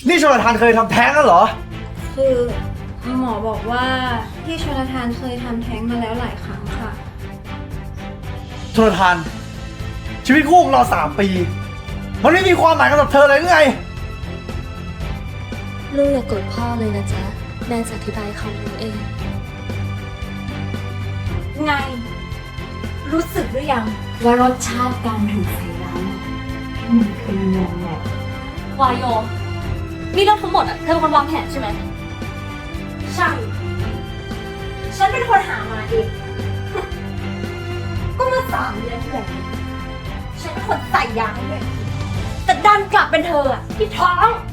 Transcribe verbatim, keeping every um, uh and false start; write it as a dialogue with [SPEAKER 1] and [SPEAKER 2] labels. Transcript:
[SPEAKER 1] นี่ชลทานเคยทำแท้งแล้วเหรอ
[SPEAKER 2] คือหมอบอกว่าพี่ชลทานเคยทำแท้งมาแล้วหลายครั้งค่ะ
[SPEAKER 1] ชลทาน ชีวิตคู่ของเราสามปี มันไม่มีความหมายกับเธอเลยหรือไง
[SPEAKER 3] ลูกอย่ากโกรธพ่อเลยนะจ๊ะ แม่จะอธิบายเขารู้เอง
[SPEAKER 2] ไง รู้สึกหรือยังว่ารสชาติการถูกใส่ร้ายมันเป็นยังไง
[SPEAKER 3] วายโยนี่เรื่องทั้งหมดอ่ะเธอเป็นคนวางแผนใช่ไหม
[SPEAKER 2] ใช่ ฉันเป็นคนหามาเอง ก็เมื่อสามเดือนที่แล้วฉันเป็นคนใส่ยาให้ด้วยแต่ดันกลับเป็นเธออะที่ท้อง